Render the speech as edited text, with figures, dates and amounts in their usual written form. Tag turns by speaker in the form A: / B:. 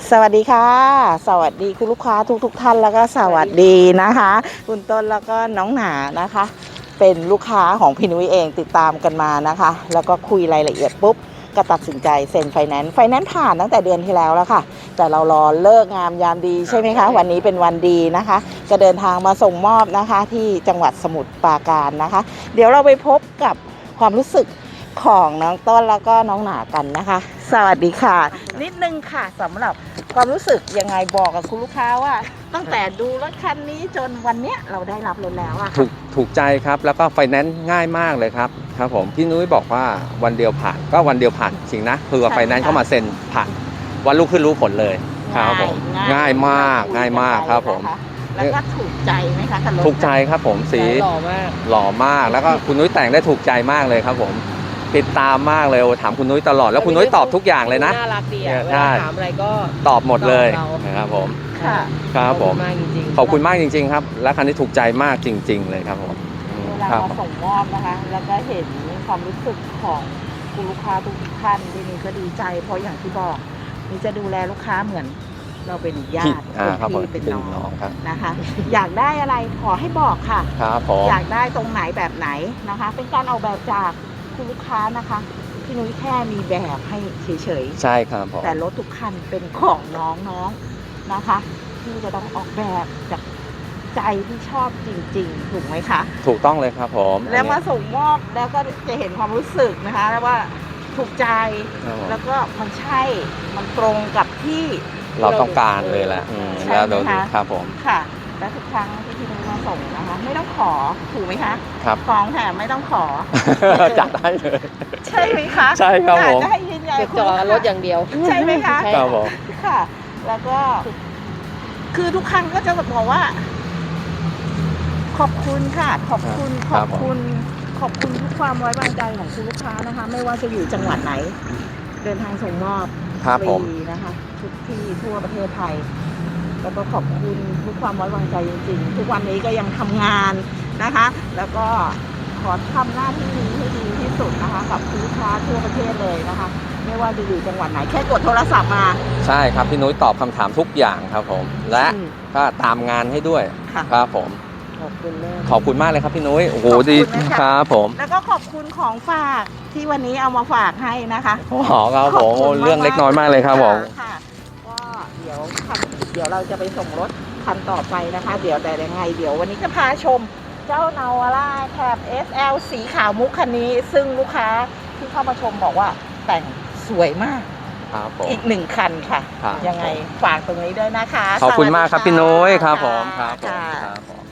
A: สวัสดีค่ะสวัสดีคุณลูกค้าทุกท่านแล้วก็สวัสดีนะคะคุณต้นแล้วก็น้องหนานะคะ เป็นลูกค้าของพี่นุ้ยเองติดตามกันมานะคะแล้วก็คุยรายละเอียดปุ๊บก็ตัดสินใจเซ็นไฟแนนซ์ผ่านตั้งแต่เดือนที่แล้วแล้วค่ะแต่เรารอเลิกงามยามดีใช่ไหมคะวันนี้เป็นวันดีนะคะจะเดินทางมาส่งมอบนะคะที่จังหวัดสมุทรปราการนะคะเดี๋ยวเราไปพบกับความรู้สึกของน้องต้นแล้วก็น้องหนากันนะคะสวัสดีค่ะนิดนึงค่ะสำหรับความรู้สึกยังไงบอกกับคุณลูกค้าว่าตั้งแต่ดูรถคันนี้จนวันเนี้ยเราได้รับรถแล้วอะ
B: ถูกใจครับแล้วก็ไฟแนนซ์ง่ายมากเลยครับผมพี่นุ้ยบอกว่าวันเดียวผ่านก็วันเดียวผ่านจริงนะคือไฟแนนซ์เข้ามาเซ็นผ่านวันรุ่งขึ้นรู้ผลเลยครับผมง่ายมากครับผม
A: แล้วก็ถูกใจไหมคะคันรถ
B: ถูกใจครับผมสีหล่อมากแล้วก็คุณนุ้ยแต่งได้ถูกใจมากเลยครับผมติดตามมากเลยถามคุณนุ้ยตลอดแล้วคุณนุ้ยตอบทุกอย่างเลยนะ
C: น่ารักดีอ่ะเวลาถามอะไรก็
B: ตอบหมดเลยนะครับผมครับผมขอบคุณมากจริงๆครับและคันนี้ถูกใจมากจริงๆเลยครับผม
A: เวลามาส่งมอบนะคะแล้วก็เห็นความรู้สึกของคุณลูกค้าทุกท่านที่นี่ก็ดีใจเพราะอย่างที่บอกนี่จะดูแลลูกค้าเหมือนเราเป็นญาติเป็นพี่เป็นน้องนะคะอยากได้อะไรขอให้บอกค่ะ
B: ครับผม
A: อยากได้ตรงไหนแบบไหนนะคะเป็นการออกแบบจากคุณลูกค้านะคะพี่นุ้ยแค่มีแบบให้เฉย
B: ๆใช่ครับผม
A: แต่รถทุกคันเป็นของน้องๆนะคะที่จะต้องออกแบบจากใจที่ชอบจริงๆถูกไหมคะ
B: ถูกต้องเลยครับผม
A: แล้วมาส่งมอบแล้วก็จะเห็นความรู้สึกนะคะแล้วว่าถูกใจแล้วก็มันใช่มันตรงกับที่
B: เราต้องการเลยแหละแล้วดูครับผม
A: ค่ะและทุกครั้งที่พี่นุ้ยมาส่งนะคะไม่ต้องขอถูกไหมคะ
B: ครับ
A: ของแถมไม่ต้องขอ
B: จัดได้เลย
A: ใช่ไหมคะ
B: ใช่ครับผม
A: จะให้ยืนยัน
C: จอดรถอย่างเดียว
A: ใช่ไหมคะ
B: ครับผม
A: ค่ะแล้วก็คือทุกครั้งก็จะบอกว่าขอบคุณค่ะขอบคุณทุกความไว้วางใจของคุณลูกค้านะคะไม่ว่าจะอยู่จังหวัดไหนเดินทางส่งมอบฟรีนะคะทุกที่ทั่วประเทศไทยแล้วก็ขอบคุณทุกความไว้วางใจจริงๆทุกวันนี้ก็ยังทำงานนะคะแล้วก็ขอทำหน้าที่นี้ให้ดีที่สุดนะคะกับลูกค้าทั่วประเทศเลยนะคะไม่ว่าจะอยู่จังหวัดไหนแค่กดโทรศัพท์มา
B: ใช่ครับพี่นุ้ยตอบคำถามทุกอย่างครับผมและก็ตามงานให้ด้วยครับผมขอบคุณมากเลยครับพี่นุ้ยโอ้โหดีครับผม
A: แล้วก็ขอบคุณของฝากที่วันนี้เอามาฝากให้นะคะ
B: ครับผมเรื่องเล็กน้อยมากเลยครับผม
A: ค่ะก็เดี๋ยวเราจะไปส่งรถคันต่อไปนะคะเดี๋ยวแต่ยังไงเดี๋ยววันนี้จะพาชมเจ้านาวาร่าแคป SL สีขาวมุกคันนี้ซึ่งลูกค้าที่เข้ามาชมบอกว่าแต่งสวยมากอีก1คันค่ะยังไงฝากตรงนี้ด้วยนะคะ
B: ขอบคุณมากครับพี่นุ้ยครับผมครับ